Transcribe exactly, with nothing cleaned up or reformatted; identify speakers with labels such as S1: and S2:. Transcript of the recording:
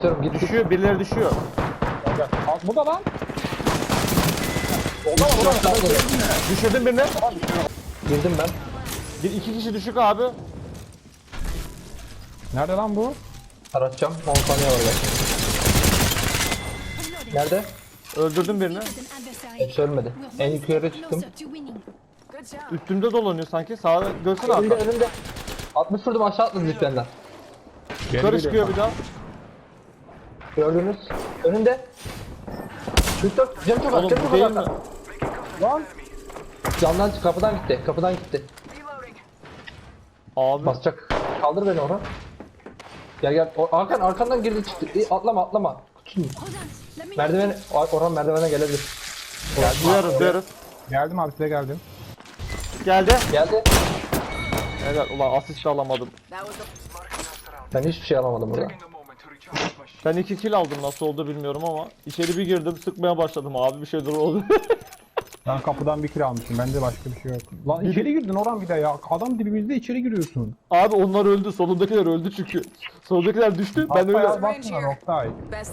S1: Diyorum git.
S2: Düşüyor, birileri düşüyor.
S3: Al, bu da lan.
S2: Düşürdüm birini.
S1: Girdim ben.
S2: Bir iki kişi düşük abi.
S3: Nerede lan bu?
S1: Aratacağım. on saniye var belki. Nerede?
S2: Öldürdüm birini.
S1: Hepsi ölmedi. En yukarıya çıktım.
S2: Üstümde dolanıyor sanki. Sağa görsene
S1: Önümde
S2: arka.
S1: önümde. altmış vurdum aşağı atladı ziplerden.
S2: Yukarı çıkıyor bir daha.
S1: Gördünüz. Önünde. kırk dört. Cem çok az.
S2: Oğlum
S1: Cem
S2: bu
S1: çok
S2: değil
S1: az.
S2: mi?
S3: Lan.
S1: Camdan kapıdan gitti. Kapıdan gitti.
S2: Abi.
S1: Basacak. Kaldır beni Orhan. Gel gel. O, Hakan arkandan girdi çıktı. İyi, atlama atlama. Kutusun. Merdiven. Orhan merdivene gelebilir.
S2: Duyarız duyarız.
S3: Geldim abi size geldim.
S2: Geldi.
S1: Geldi.
S2: Evet ulan asist de alamadım.
S1: Ben hiçbir şey alamadım burada.
S2: Ben iki kill aldım nasıl oldu bilmiyorum ama içeri bir girdim sıkmaya başladım abi bir şeyler oldu.
S3: Ben kapıdan bir kill almışım. Bende başka bir şey yok. Lan içeri girdin Orhan bir de ya. Adam dibimizde içeri giriyorsun.
S2: Abi onlar öldü solundakiler öldü çünkü. Solundakiler düştü ben öyle.
S3: Haftaya baksana Oktay.